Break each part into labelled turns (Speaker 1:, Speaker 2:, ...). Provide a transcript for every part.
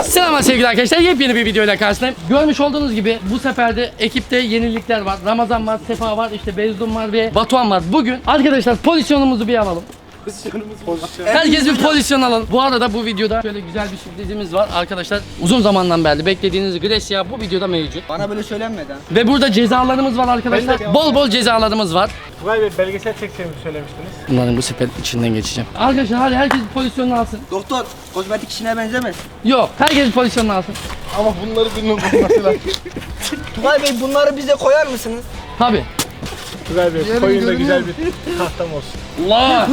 Speaker 1: Selam sevgili arkadaşlar, yepyeni bir videoyla karşınızdayım. Görmüş olduğunuz gibi bu sefer de ekipte yenilikler var. Ramazan var, Sefa var, işte Bezdum var ve Batuhan var. Bugün arkadaşlar pozisyonumuzu bir alalım. Herkes bir pozisyon alalım. Bu arada bu videoda şöyle güzel bir sürprizimiz var arkadaşlar. Uzun zamandan beri beklediğiniz Grecia bu videoda mevcut.
Speaker 2: Bana böyle söylenmedi ha.
Speaker 1: Ve burada cezalarımız var arkadaşlar. Bol bol cezalarımız var.
Speaker 3: Tugay Bey belgesel çekeceğimi söylemiştiniz.
Speaker 1: Bunların bu sepet içinden geçeceğim. Arkadaşlar hadi herkes bir pozisyonunu alsın.
Speaker 2: Doktor, kozmetik işine benzemez.
Speaker 1: Yok, herkes bir pozisyonunu alsın.
Speaker 3: Ama bunları birinin bulması lazım.
Speaker 2: Tugay Bey bunları bize koyar mısınız?
Speaker 1: Tabii.
Speaker 3: Tugay Bey koyun da güzel bir tahtam olsun.
Speaker 1: Allah!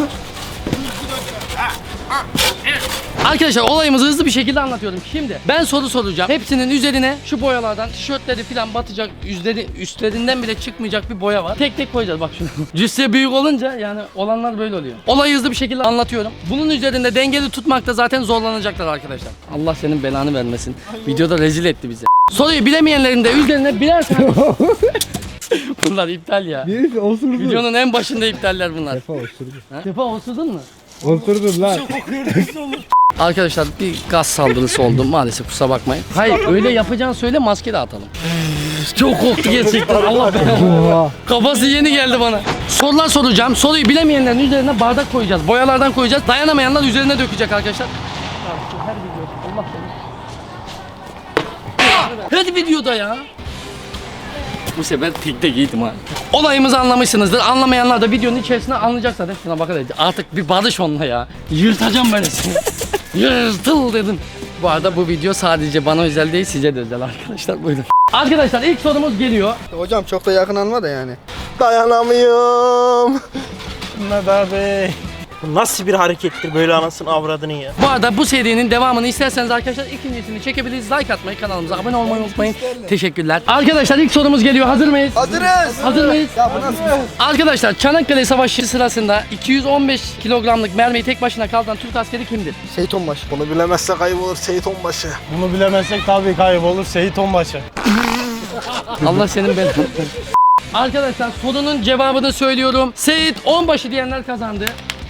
Speaker 1: Arkadaşlar olayımızı hızlı bir şekilde anlatıyorum. Şimdi ben soru soracağım. Hepsinin üzerine şu boyalardan tişörtleri falan batacak, üstlerinden bile çıkmayacak bir boya var. Tek tek koyacağız bak şunu. Cüsse büyük olunca yani olanlar böyle oluyor. Olayı hızlı bir şekilde anlatıyorum. Bunun üzerinde dengeli tutmakta zaten zorlanacaklar arkadaşlar. Allah senin belanı vermesin. Videoda rezil etti bizi. Soruyu bilemeyenlerin de üzerine birer tane... Bunlar iptal ya.
Speaker 4: Birisi osurdu.
Speaker 1: Videonun en başında iptaller bunlar.
Speaker 4: Defa osurdu.
Speaker 1: Sefa osurdun mu?
Speaker 4: Osurdun lan.
Speaker 1: Arkadaşlar bir gaz saldırısı oldu maalesef, kusura bakmayın. Hayır öyle yapacağını söyle, maske de atalım. Çok korktu gerçekten, Allah belanı. Kafası yeni geldi bana. Sorular soracağım. Soruyu bilemeyenlerin üzerine bardak koyacağız. Boyalardan koyacağız. Dayanamayanlar üzerine dökecek arkadaşlar. Her video Allah belanı. Her videoda ya. Bu sefer tekte giydim ha. Olayımızı anlamışsınızdır. Anlamayanlar da videonun içerisinde anlayacak zaten. Şuna bakın artık bir barış onunla ya. Yırtacağım böyle seni. Yırtıl dedim. Bu arada bu video sadece bana özel değil, size de özel arkadaşlar. Buyurun. Arkadaşlar ilk sorumuz geliyor.
Speaker 2: Hocam çok da yakın alma da yani.
Speaker 3: Dayanamıyorum. Nada Bey. Bu nasıl bir harekettir böyle anasını avradını ya.
Speaker 1: Bu arada bu serinin devamını isterseniz arkadaşlar ikincisini çekebiliriz. Like atmayı, kanalımıza abone olmayı unutmayın. Teşekkürler. Arkadaşlar ilk sorumuz geliyor. Hazır mıyız?
Speaker 2: Hazırız.
Speaker 1: Hazır mıyız?
Speaker 2: Ya bu nasıl?
Speaker 1: Arkadaşlar Çanakkale Savaşı sırasında 215 kilogramlık mermiyi tek başına kaldıran Türk askeri kimdir?
Speaker 2: Seyit Onbaşı.
Speaker 3: Bunu bilemezsek kaybolur Seyit Onbaşı. Bunu bilemezsek tabii kaybolur Seyit Onbaşı.
Speaker 1: Allah senin belanı. Arkadaşlar sorunun cevabını söylüyorum. Seyit Onbaşı diyenler kazandı.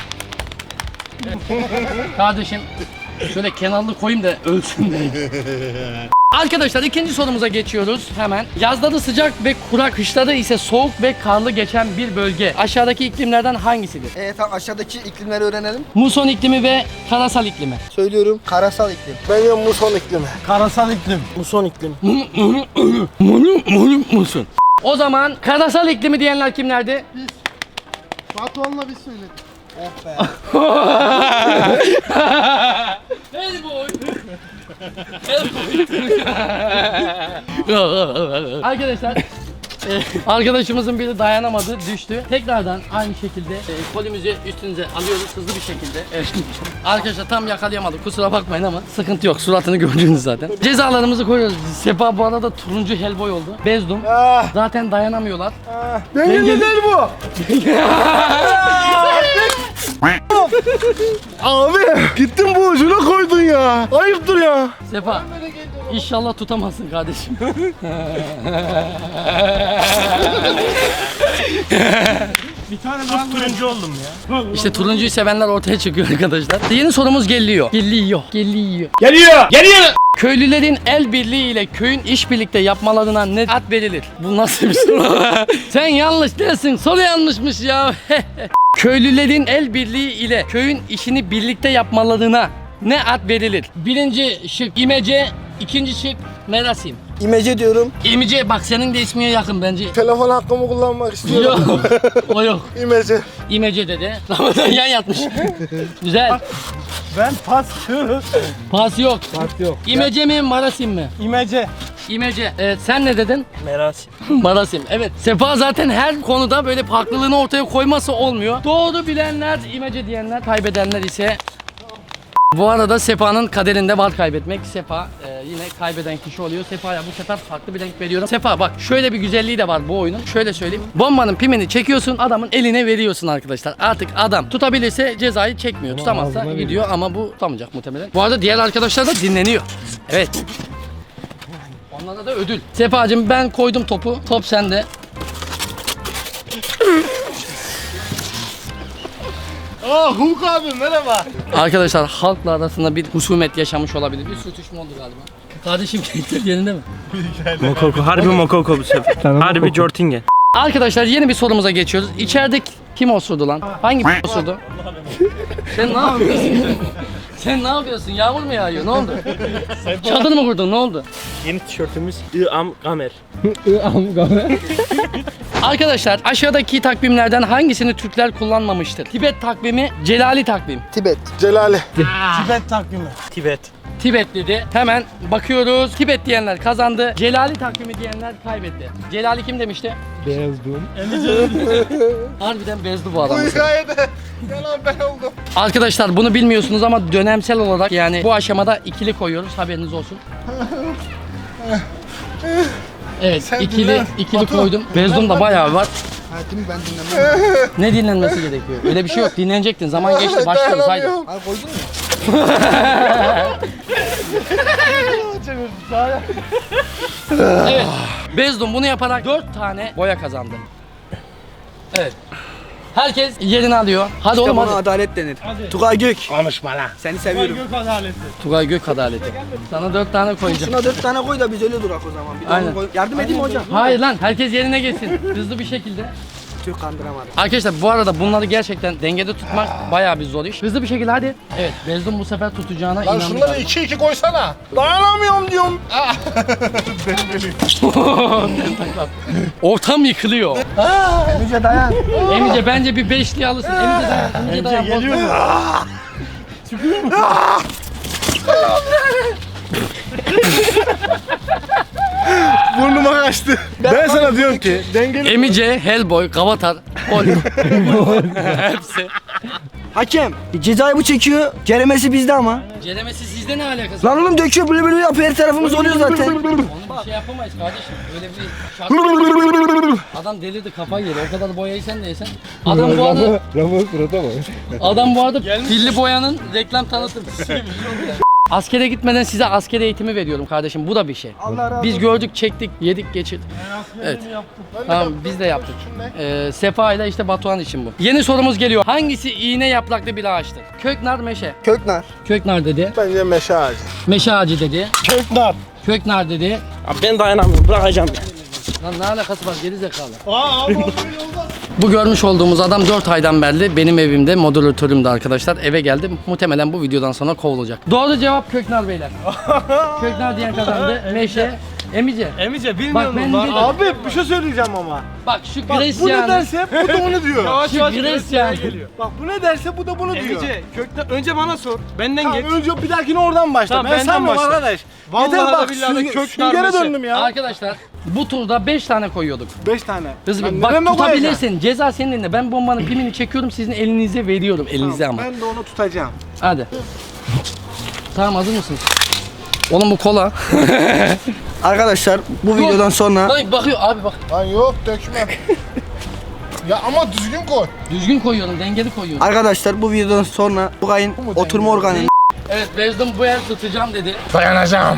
Speaker 1: Kardeşim şöyle kenarlı koyayım da ölsün diye. Arkadaşlar ikinci sorumuza geçiyoruz hemen. Yazları sıcak ve kurak, kışları ise soğuk ve karlı geçen bir bölge. Aşağıdaki iklimlerden hangisidir?
Speaker 2: Tamam aşağıdaki iklimleri öğrenelim.
Speaker 1: Muson iklimi ve karasal iklimi.
Speaker 2: Söylüyorum. Karasal iklim.
Speaker 3: Benim muson iklimi. Karasal iklim. Muson iklimi.
Speaker 1: Muson. O zaman karasal iklimi diyenler kimlerdi?
Speaker 3: Batuhan'la biz söyledik.
Speaker 2: Oh be.
Speaker 1: Hey boy. Arkadaşlar arkadaşımızın biri dayanamadı, düştü. Tekrardan aynı şekilde kolimizi üstünüze alıyoruz hızlı bir şekilde. Evet. Arkadaşlar tam yakalayamadık, kusura bakmayın ama sıkıntı yok, suratını gördünüz zaten. Cezalarımızı koyuyoruz. Sefa bu arada turuncu helboy oldu. Bezdum. Zaten dayanamıyorlar.
Speaker 3: Dengeli değil bu. Abi gittin bu ucuna koydun ya. Ayıptır ya.
Speaker 1: Sefa İnşallah tutamazsın kardeşim.
Speaker 3: Bir tane daha turuncu oldum ya.
Speaker 1: İşte turuncuyu sevenler ortaya çıkıyor arkadaşlar. Yeni sorumuz geliyor. Geliyor. Köylülerin el birliği ile köyün iş birlikte yapmalarına ne ad verilir? Bu nasıl bir soru? Sen yanlış değilsin. Soru yanlışmış ya. Köylülerin el birliği ile köyün işini birlikte yapmalarına ne ad verilir? Birinci şık imece, ikinci şık merasim.
Speaker 2: İmece diyorum.
Speaker 1: İmece bak senin de ismine yakın bence.
Speaker 3: Telefon hakkımı kullanmak istiyorum.
Speaker 1: Yok. O yok.
Speaker 3: İmece.
Speaker 1: İmece dedi. Ramazan yan yatmış. Güzel.
Speaker 3: Ben pas.
Speaker 1: Pas yok.
Speaker 4: Pas yok.
Speaker 1: İmece mi marasim mi?
Speaker 3: İmece.
Speaker 1: İmece. Evet sen ne dedin?
Speaker 3: Merasim.
Speaker 1: Marasim. Evet. Sefa zaten her konuda böyle farklılığını ortaya koyması olmuyor. Doğru bilenler, imece diyenler, kaybedenler ise... Bu arada Sefa'nın kaderinde var kaybetmek. Sefa yine kaybeden kişi oluyor. Sefa'ya bu sefer farklı bir renk veriyorum. Sefa bak şöyle bir güzelliği de var bu oyunun. Şöyle söyleyeyim. Bombanın pimini çekiyorsun, adamın eline veriyorsun arkadaşlar. Artık adam tutabilirse cezayı çekmiyor. Tutamazsa gidiyor ama bu tutamayacak muhtemelen. Bu arada diğer arkadaşlar da dinleniyor. Evet. Onlara da ödül. Sefacığım ben koydum topu. Top sende.
Speaker 4: Hulk abi merhaba.
Speaker 1: Arkadaşlar halkla arasında bir husumet yaşamış olabilir. Bir sürtüşme oldu galiba. Kardeşim keyifler yerinde mi?
Speaker 3: Mokoko. Harbi Mokoko bu sefer. Harbi Jortingen.
Speaker 1: Arkadaşlar yeni bir sorumuza geçiyoruz. İçeride kim osurdu lan? Hangi osurdu? Sen ne yapıyorsun? Sen ne yapıyorsun? Yağmur mu yağıyor? Ne oldu? Çadır mı kurdun? Ne oldu?
Speaker 3: Yeni tişörtümüz İam Gamer.
Speaker 1: Arkadaşlar aşağıdaki takvimlerden hangisini Türkler kullanmamıştır? Tibet takvimi, Celali takvim.
Speaker 2: Tibet.
Speaker 4: Celali.
Speaker 3: Tibet takvimi. Tibet.
Speaker 1: Tibet dedi. Hemen bakıyoruz. Tibet diyenler kazandı. Celali takvimi diyenler kaybetti. Celali kim demişti?
Speaker 4: Bezdum.
Speaker 1: Harbiden bezdi bu adam.
Speaker 4: Bu hikayede yalan ben oldum.
Speaker 1: Arkadaşlar bunu bilmiyorsunuz ama dönemsel olarak yani bu aşamada ikili koyuyoruz. Haberiniz olsun. Evet,
Speaker 4: Sen
Speaker 1: ikili
Speaker 4: dinle. Batu.
Speaker 1: koydum. Bezdum da bayağı var.
Speaker 2: Hayatımı ben dinlemem.
Speaker 1: Ne dinlenmesi gerekiyor? Öyle bir şey yok. Dinlenecektin. Zaman geçti. Başlıyoruz. Haydi.
Speaker 4: Dayanamıyorum.
Speaker 2: Abi koydun mu?
Speaker 1: Evet. Bezdum bunu yaparak 4 tane boya kazandı. Evet. Herkes yerini alıyor. Hadi oğlum
Speaker 2: Buna
Speaker 1: hadi.
Speaker 2: adalet denir. Tugay Gök.
Speaker 3: Konuşma lan.
Speaker 2: Seni seviyorum.
Speaker 1: Tugay Gök adaleti. Sana 4 tane koyacağım.
Speaker 2: Şuna 4 tane koy da biz öyle durak o zaman. Bir de
Speaker 1: Aynen.
Speaker 2: onu koy. Yardım edeyim mi hocam?
Speaker 1: Hayır lan herkes yerine geçsin. Hızlı bir şekilde.
Speaker 2: Tüh kandıramadım.
Speaker 1: Arkadaşlar bu arada bunları gerçekten dengede tutmak bayağı bir zor iş. Hızlı bir şekilde hadi. Evet Bezdum bu sefer tutacağına
Speaker 4: Lan
Speaker 1: inandık.
Speaker 4: şunları 2-2 koysana. Dayanamıyorum diyorum.
Speaker 1: Ortam yıkılıyor.
Speaker 2: Emice dayan.
Speaker 1: Emice bence bir beşli alırsın. Emice dayan. Emice dayan. Geliyor mu?
Speaker 4: Burnuma kaçtı. Ben sana diyorum ki dengeli.
Speaker 1: Emice, Hellboy, Gavatar, Hulk. Hepsi.
Speaker 2: Hakem. Cezayı bu çekiyor. Ceremesi bizde ama.
Speaker 1: Celemesi sizde ne alakası var?
Speaker 2: Lan oğlum döküyor böyle böyle yapıyor. Her tarafımız oluyor zaten.
Speaker 1: Onu bir şey yapamayız kardeşim. Öyle bir şart. Adam delirdi kafayı yedi. O kadar boyayı sen de yesen. Adam bu arada Adam bu arada pilli boyanın reklam tanıtımcısı gibi. Askere gitmeden size asker eğitimi veriyorum kardeşim. Bu da bir şey.
Speaker 2: Allah razı
Speaker 1: Biz gördük, çektik, yedik, geçirdik. Evet. Tamam biz de yaptık. Sefa ile işte Batuhan için bu. Yeni sorumuz geliyor. Hangisi iğne yapraklı bir ağaçtır? Köknar, meşe.
Speaker 2: Köknar.
Speaker 1: Köknar dedi.
Speaker 4: Bence meşe ağacı.
Speaker 1: Meşe ağacı dedi.
Speaker 4: Köknar.
Speaker 1: Köknar dedi.
Speaker 3: Abi ben dayanamıyorum. Bırakacağım.
Speaker 1: Lan ne alakası var geri zekalı.
Speaker 4: Aa abi olmaz.
Speaker 1: Bu görmüş olduğumuz adam 4 aydan beri benim evimde moderatörümdü arkadaşlar. Eve geldim. Muhtemelen bu videodan sonra kovulacak. Doğru cevap Köknar beyler. Köknar diyen kazandı. Meşe. Emice.
Speaker 3: Emice
Speaker 1: Bak ben dedim.
Speaker 4: Abi bir şey söyleyeceğim ama.
Speaker 1: Bak şu
Speaker 4: Bak bu ne
Speaker 1: Gresya'nın.
Speaker 4: derse bu da onu diyor.
Speaker 1: Şu Gresya'nın.
Speaker 4: Bak bu ne derse bu da bunu diyor.
Speaker 5: Emice kökten önce bana sor. Benden
Speaker 4: Tamam,
Speaker 5: geç.
Speaker 4: önce bir dahakine oradan başla.
Speaker 5: Tamam,
Speaker 4: ben
Speaker 5: benden
Speaker 4: sanmıyorum
Speaker 5: başla.
Speaker 4: arkadaş.
Speaker 5: Vallahi
Speaker 4: Yeter
Speaker 5: de
Speaker 4: bak
Speaker 5: billahi de köknar
Speaker 4: süngere
Speaker 5: meşe.
Speaker 4: döndüm ya.
Speaker 1: Arkadaşlar bu turda 5 tane koyuyorduk.
Speaker 4: 5 tane.
Speaker 1: Hızlı
Speaker 4: Ben
Speaker 1: bir bak
Speaker 4: nereme koyacağım?
Speaker 1: tutabilirsin. Ceza senin elinde. Ben bombanın pimini çekiyorum sizin elinize veriyorum. Elinize ama.
Speaker 4: Ben de onu tutacağım.
Speaker 1: Hadi. Tamam hazır mısınız? Oğlum bu kola.
Speaker 2: Arkadaşlar bu videodan sonra
Speaker 1: Lan bakıyor abi bak.
Speaker 4: Lan yok dökme. Ya ama düzgün koy.
Speaker 1: Düzgün koyuyorum, dengeli koyuyorum.
Speaker 2: arkadaşlar bu videodan sonra Tugay'ın oturma organı
Speaker 1: Evet Bezdum bu el tutacağım dedi.
Speaker 4: Dayanacağım.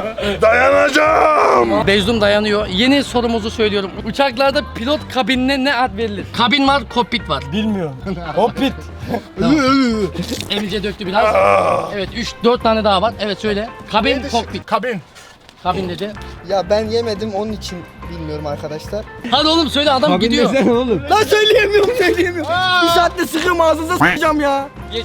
Speaker 4: Dayanacağım.
Speaker 1: Bezdum dayanıyor. Yeni sorumuzu söylüyorum. Uçaklarda pilot kabinine ne ad verilir? Kabin var, kokpit var.
Speaker 4: Bilmiyorum. Hoppit.
Speaker 1: Emice döktü biraz. Evet 3-4 tane daha var. Evet söyle. Kabin, kokpit.
Speaker 4: Kabin.
Speaker 1: Kabin dedi.
Speaker 2: Ya ben yemedim onun için bilmiyorum arkadaşlar.
Speaker 1: Hadi oğlum söyle adam gidiyor.
Speaker 2: Lan söyleyemiyorum. Bir saatte sıkıyorum ağzınıza sıkacağım ya.
Speaker 1: Geç.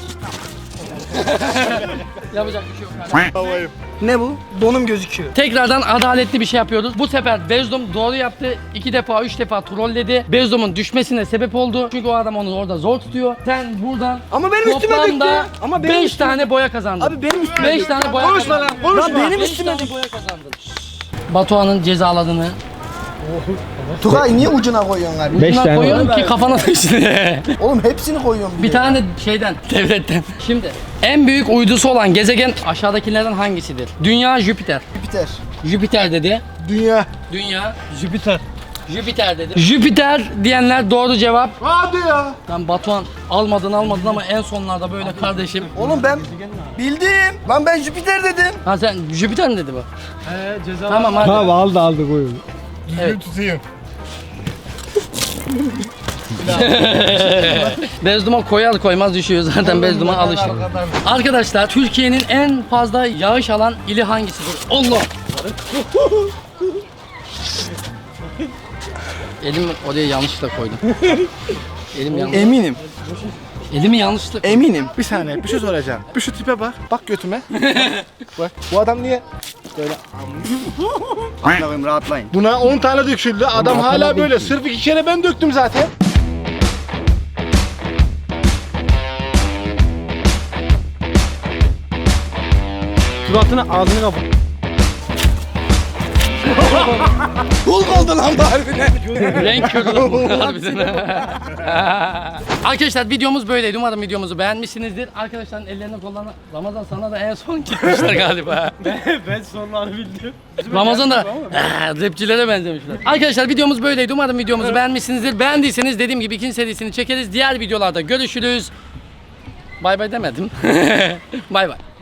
Speaker 1: Yapacak bir şey yok. Hadi.
Speaker 4: Havayım.
Speaker 2: Ne bu? Donum gözüküyor.
Speaker 1: Tekrardan adaletli bir şey yapıyoruz. Bu sefer Bezdum doğru yaptı. 2 defa 3 defa trolledi. Bezdum'un düşmesine sebep oldu. Çünkü o adam onu orada zor tutuyor. Sen buradan
Speaker 2: Ama benim üstüme döktü.
Speaker 1: toplamda
Speaker 2: Ama benim
Speaker 1: 5 tane boya kazandın.
Speaker 2: Abi benim üstüme
Speaker 1: 5
Speaker 2: döktü.
Speaker 1: tane boya
Speaker 4: Konuşma
Speaker 1: kazandın.
Speaker 4: lan, konuşma.
Speaker 2: Lan benim
Speaker 1: Beş
Speaker 2: üstüme
Speaker 1: tane
Speaker 2: döktü.
Speaker 1: boya kazandın. Batuhan'ın cezaladığını
Speaker 2: Tugay niye ucuna koyuyorsun abi?
Speaker 1: ucuna koyuyorum ki kafana düşsün.
Speaker 2: Oğlum hepsini koyuyorum.
Speaker 1: Bir tane şeyden, devletten. Şimdi en büyük uydusu olan gezegen aşağıdakilerden hangisidir? Dünya, Jüpiter.
Speaker 2: Jüpiter.
Speaker 1: Jüpiter dedi.
Speaker 4: Dünya.
Speaker 1: Dünya,
Speaker 3: Jüpiter.
Speaker 1: Jüpiter dedi. Jüpiter diyenler doğru cevap.
Speaker 4: Hadi ya.
Speaker 1: Lan Batuhan almadın ama en sonlarda böyle kardeşim.
Speaker 2: Oğlum ben bildim. Lan ben Jüpiter dedim.
Speaker 1: Ha sen Jüpiter mi dedi bu?
Speaker 5: Ceza
Speaker 1: Tamam hadi.
Speaker 6: Tamam aldı koyun.
Speaker 4: Düzgün
Speaker 1: Evet.
Speaker 4: tutayım.
Speaker 1: Bez duman koyar koymaz düşüyor zaten bez duman alışır. Arkadaşlar Türkiye'nin en fazla yağış alan ili hangisidir? Allah! Elim oraya yanlışlıkla koydum. Elim yanlış.
Speaker 2: Eminim.
Speaker 1: Elimi yanlışlıkla.
Speaker 2: Eminim.
Speaker 4: Bir saniye bir şey soracağım. Bir şu tipe bak. Bak götüme. Bak bu adam niye böyle
Speaker 2: Allah'ım rahatlayın.
Speaker 4: buna 10 tane döküldü. Adam hala böyle. Sırf 2 kere ben döktüm zaten.
Speaker 5: Suratını ağzını kapat.
Speaker 2: Kul oldu lan bu harbiden.
Speaker 1: Renk körü lan bu harbiden. Arkadaşlar videomuz böyleydi. Umarım videomuzu beğenmişsinizdir. Arkadaşların ellerine kollarına Ramazan sana da en son gitmişler galiba.
Speaker 5: Ben sonlarını bildim.
Speaker 1: Ramazan da rapçilere benzemişler. Arkadaşlar videomuz böyleydi. Umarım videomuzu beğenmişsinizdir. Beğendiyseniz dediğim gibi ikinci serisini çekeriz. Diğer videolarda görüşürüz. Bay bay demedim. Bay bay.